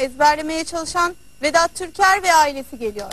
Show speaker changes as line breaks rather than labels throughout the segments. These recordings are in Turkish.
ezberlemeye çalışan Vedat Türker ve ailesi geliyor.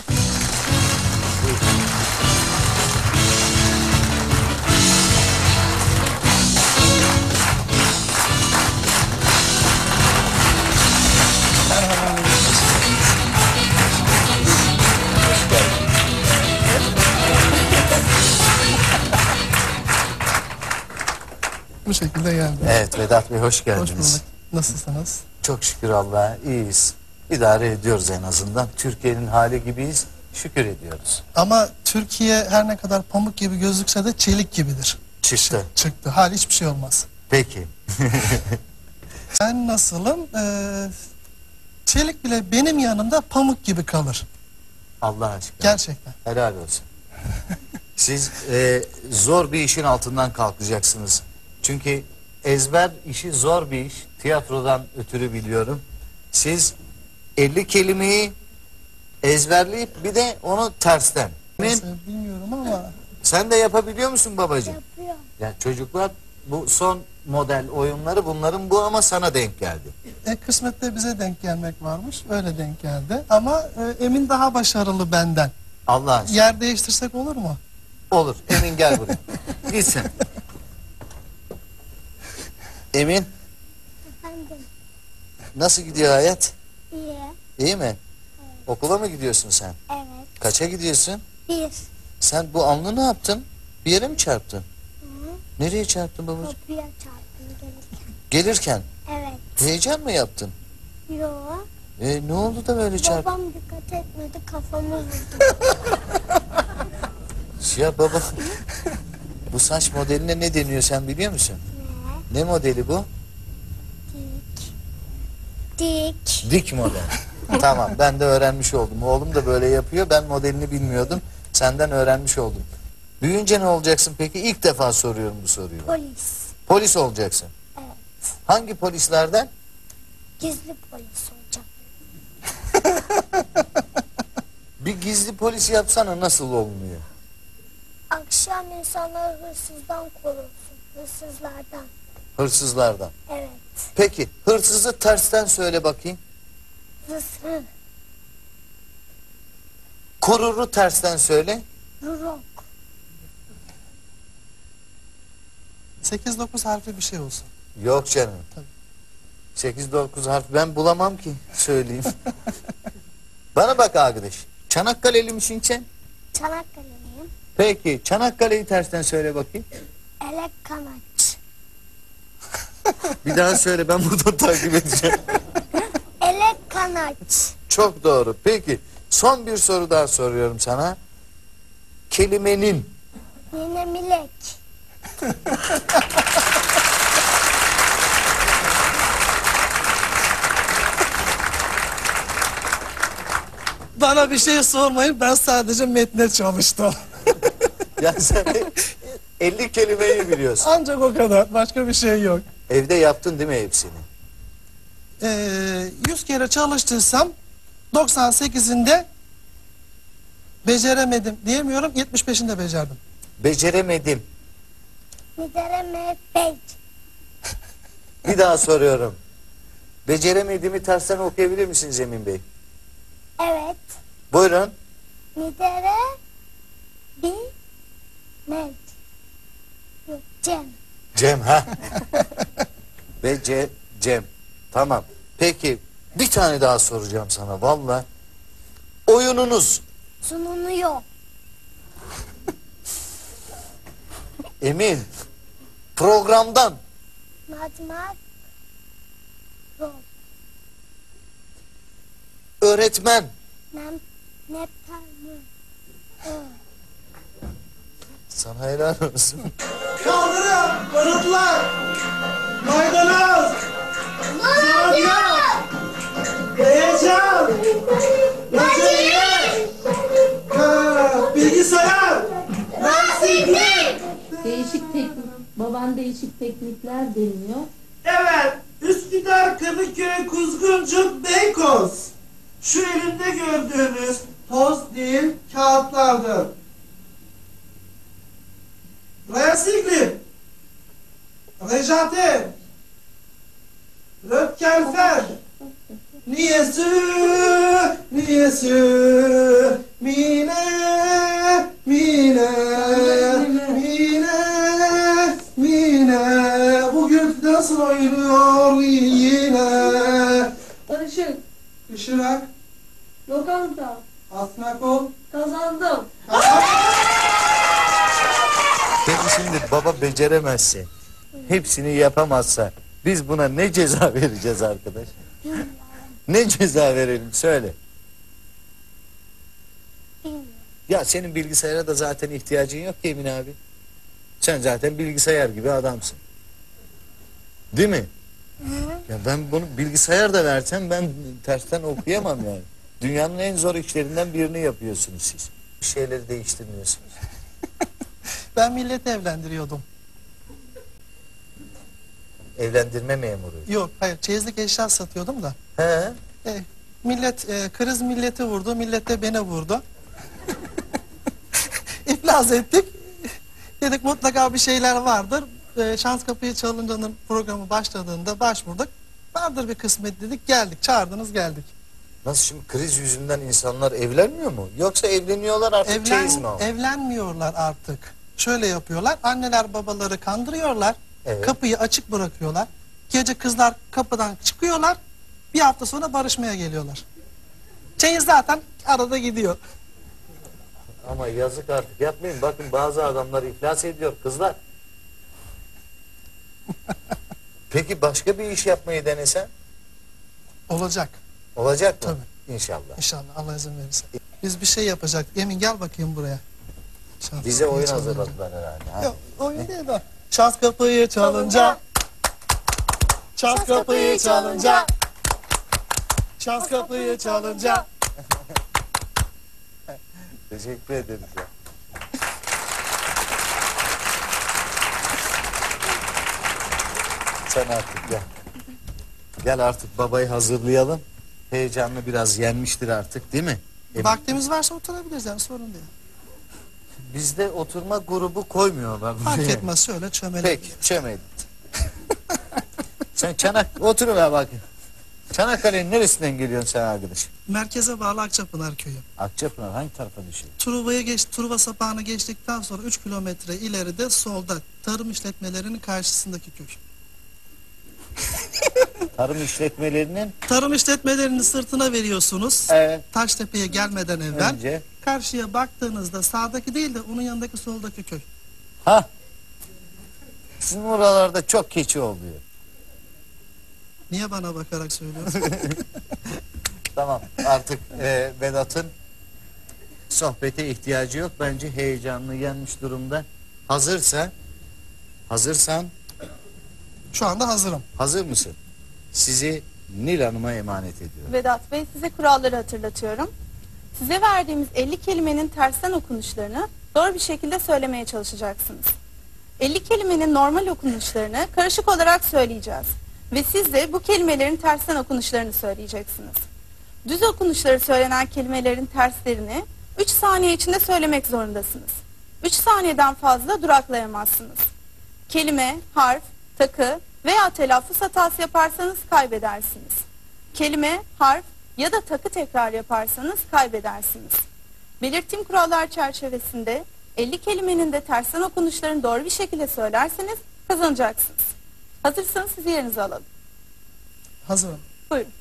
Bu şekilde geldi.
Evet Vedat Bey hoş
Hoş
geldiniz.
bulduk. Nasılsınız?
Çok şükür Allah'a iyiyiz. İdare ediyoruz en azından. Türkiye'nin hali gibiyiz. Şükür ediyoruz.
Ama Türkiye her ne kadar pamuk gibi gözükse de çelik gibidir.
Çıktı.
Çıktı. Hali hiçbir şey olmaz.
Peki.
Ben nasılım? Çelik bile benim yanımda pamuk gibi kalır.
Allah aşkına.
Gerçekten.
Helal olsun. Siz zor bir işin altından kalkacaksınız. Çünkü ezber işi zor bir iş. Tiyatrodan ötürü biliyorum. Siz 50 kelimeyi ezberleyip bir de onu tersten.
Nasıl bilmiyorum ama
Sen de yapabiliyor musun babacığım?
Yapıyor.
Ya çocuklar bu son model oyunları bunların bu ama sana denk geldi.
kısmette bize denk gelmek varmış. Öyle denk geldi. Ama Emin daha başarılı benden.
Allah aşkına.
Yer değiştirsek olur mu?
Olur. Emin gel buraya. Gitsin. Emin
Efendim.
nasıl gidiyor hayat?
İyi.
İyi mi? Okula mı gidiyorsun sen?
Evet.
Kaça gidiyorsun?
1.
Sen bu alnı ne yaptın? Bir yere mi çarptın?
Hı.
Nereye çarptın babacığım?
Kapıya çarptım gelirken.
Gelirken.
Evet.
Heyecan mı yaptın?
Yo.
Ne oldu da böyle çarptın?
Babam dikkat etmedi, kafamı vurdu.
Ya baba. Bu saç modeline ne deniyor sen biliyor musun? Ne modeli bu?
Dik.
Dik model. Tamam ben de öğrenmiş oldum. Oğlum da böyle yapıyor. Ben modelini bilmiyordum. Senden öğrenmiş oldum. Büyüyünce ne olacaksın peki? İlk defa soruyorum bu soruyu.
Polis.
Polis olacaksın.
Evet.
Hangi polislerden?
Gizli polis olacak.
Bir gizli polis yapsana nasıl olmuyor?
Akşam insanları hırsızdan korursun. Hırsızlardan.
Hırsızlardan.
Evet.
Peki hırsızı tersten söyle bakayım.
Hırsız.
Koruru tersten söyle.
Rurok.
8-9 harfli bir şey olsun.
Yok canım.
Tabii.
8-9 harf ben bulamam ki söyleyeyim. Bana bak arkadaş. Çanakkale'li misin sen?
Çanakkale'liyim.
Peki Çanakkale'yi tersten söyle bakayım.
Elek kanaç.
Bir daha söyle ben buradan takip edeceğim.
Elek kanaç.
Çok doğru. Peki son bir soru daha soruyorum sana. Kelimenin
Yine milek.
Bana bir şey sormayın. Ben sadece metne çalıştım.
ya sen 50 kelimeyi biliyorsun.
Ancak o kadar. Başka bir şey yok.
Evde yaptın değil mi hepsini?
100 kere çalıştırsam 98'inde beceremedim diyemiyorum. 75'inde becerdim.
Beceremedim.
Midere mehbek.
Bir daha soruyorum. Beceremediğimi tersten okuyabilir misiniz Emin Bey?
Evet.
Buyurun.
Midere bir mek. Yok Cem.
Cem ha? Cem. Tamam. Peki bir tane daha soracağım sana valla. Oyununuz
Sununu yok.
Emin programdan
Matmak yok.
öğretmen
Neptal mı?
sana helal olsun.
Kaldırın, barutlar, maydanoz, zeytinyağı, heyecan, böceği, bilgisayar, lastiklik.
Baban değişik teknikler deniyor.
Evet, Üsküdar, Kadıköy, Kuzguncuk, Beykoz. Şu elimde gördüğünüz toz değil, kağıtlardır. Resiklim, Rejate, Röpkelfer, Niyesi, niyesi, mine, mine, mine, mine. Bugün nasıl oynuyor yine?
Barışık,
Işırak,
lokanta,
Asmakol.
kazandım.
Peki şimdi baba beceremezse, hepsini yapamazsa biz buna ne ceza vereceğiz arkadaş? Ne ceza verelim söyle.
Bilmiyorum.
Ya senin bilgisayara da zaten ihtiyacın yok ki Emin abi. Sen zaten bilgisayar gibi adamsın. Değil mi? Ya ben bunu bilgisayar da versem ben tersten okuyamam yani. Dünyanın en zor işlerinden birini yapıyorsunuz siz. Bir şeyleri değiştirmiyorsunuz.
Ben milleti evlendiriyordum.
Evlendirme memuru.
Yok hayır çeyizlik eşya satıyordum da.
He?
Millet kriz milleti vurdu. Millet de beni vurdu. İflas ettik. Dedik mutlaka bir şeyler vardır. Şans Kapıyı Çalınca'nın programı başladığında başvurduk. Vardır bir kısmet dedik. Geldik. Çağırdınız geldik.
Nasıl şimdi kriz yüzünden insanlar evlenmiyor mu? Yoksa evleniyorlar artık çeyiz mi alıyor?
Evlenmiyorlar artık. Şöyle yapıyorlar. Anneler babaları kandırıyorlar.
Evet.
Kapıyı açık bırakıyorlar. Gece kızlar kapıdan çıkıyorlar. Bir hafta sonra barışmaya geliyorlar. Çeyiz zaten arada gidiyor.
Ama yazık artık yapmayın. Bakın bazı adamlar iflas ediyor kızlar. Peki başka bir iş yapmayı denesen?
Olacak.
Olacak mı?
Tabii.
İnşallah.
İnşallah Allah izin verirse. Biz bir şey yapacak. Emin gel bakayım buraya. Şans
Bize
Kapıyı
oyun
Çalınca.
hazırladılar herhalde. Ha?
Yok oyun değil o. Şans kapıyı çalınca. Şans kapıyı çalınca. Şans kapıyı çalınca.
Teşekkür ederiz ya. Sen artık gel. Gel artık babayı hazırlayalım. Heyecanlı biraz yenmiştir artık değil mi?
Vaktimiz varsa oturabiliriz yani sorun değil.
Bizde oturma grubu koymuyorlar.
Fark etmez söyle çömele.
Peki çömeyin. Sen oturuver bakayım. Çanakkale'nin neresinden geliyorsun sen arkadaşım?
Merkeze bağlı Akçapınar köyü.
Akçapınar hangi tarafa düşüyor?
Truva sapağını geçtikten sonra 3 kilometre ileride solda tarım işletmelerinin karşısındaki köy.
Tarım işletmelerinin
Tarım işletmelerinin sırtına veriyorsunuz.
evet,
Taştepe'ye gelmeden evvel.
önce.
Karşıya baktığınızda sağdaki değil de onun yanındaki soldaki köy.
Ha. Sizin oralarda çok keçi oluyor.
Niye bana bakarak söylüyorsun?
Tamam artık Vedat'ın sohbete ihtiyacı yok. Bence heyecanlı yenmiş durumda. Hazırsan
Şu anda hazırım.
hazır mısın? Sizi Nil Hanım'a emanet ediyorum.
Vedat Bey size kuralları hatırlatıyorum. Size verdiğimiz 50 kelimenin tersten okunuşlarını doğru bir şekilde söylemeye çalışacaksınız. 50 kelimenin normal okunuşlarını karışık olarak söyleyeceğiz. Ve siz de bu kelimelerin tersten okunuşlarını söyleyeceksiniz. Düz okunuşları söylenen kelimelerin terslerini 3 saniye içinde söylemek zorundasınız. 3 saniyeden fazla duraklayamazsınız. Kelime, harf, takı veya telaffuz hatası yaparsanız kaybedersiniz. Kelime, harf ya da takı tekrar yaparsanız kaybedersiniz. Belirttiğim kurallar çerçevesinde 50 kelimenin de tersten okunuşlarını doğru bir şekilde söylerseniz kazanacaksınız. Hazırsanız sizi yerinize alalım.
Hazırım.
Buyurun.